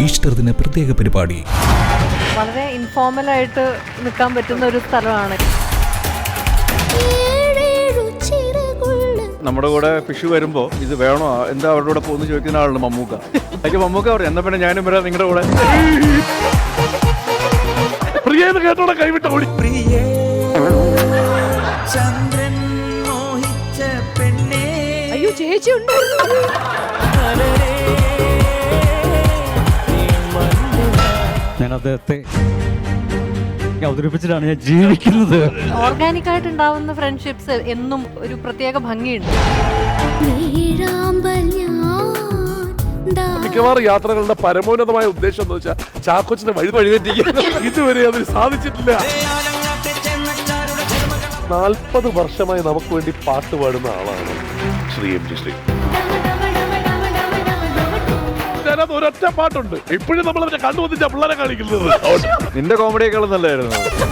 Easter ദിന പ്രത്യേക പരിപാടി. വളരെ ഇൻഫോർമലായിട്ട് നിൽക്കാൻ പറ്റുന്ന ഒരു സ്ഥലമാണ്. നമ്മുടെ കൂടെ ഫിഷ് വരുമ്പോ ഇത് വേണോ എന്താ അവരുടെ കൂടെ പോകുന്ന ചോദിക്കുന്ന ആളുണ്ട് മമ്മൂക്ക. അതിന് മമ്മൂക്ക പറയും എന്നാ പിന്നെ ഞാനും വരാം നിങ്ങളുടെ കൂടെ. കേട്ടോടെ കൈവിട്ട ഓടി. അയ്യോ ചേച്ചി ഉണ്ട്. ഞാൻ അദ്ദേഹത്തെ അവതരിപ്പിച്ചിട്ടാണ് ഞാൻ ജീവിക്കുന്നത്. ഓർഗാനിക് ആയിട്ട് ഉണ്ടാവുന്ന ഫ്രണ്ട്ഷിപ്സ് എന്നും ഒരു പ്രത്യേക ഭംഗിയുണ്ട്. മിക്കവാറും യാത്രകളുടെ പരമോന്നതമായ ഉദ്ദേശം എന്ന് വെച്ചാൽ ചാക്കോച്ചിന്റെ വഴിതെറ്റിക്കുക. ഇതുവരെ അതിന് സാധിച്ചിട്ടില്ല. 40 വർഷമായി നമുക്ക് വേണ്ടി പാട്ട് പാടുന്ന ആളാണ് ശ്രീ എം ജി ശ്രീ. അതിനകത്ത് ഒരൊറ്റ പാട്ടുണ്ട് ഇപ്പോഴും നമ്മൾ അതിനെ കണ്ടുവന്നിച്ച പിള്ളേരെ കാണിക്കുന്നത്. നിന്റെ കോമഡിയേക്കാളും നല്ലതായിരുന്നു.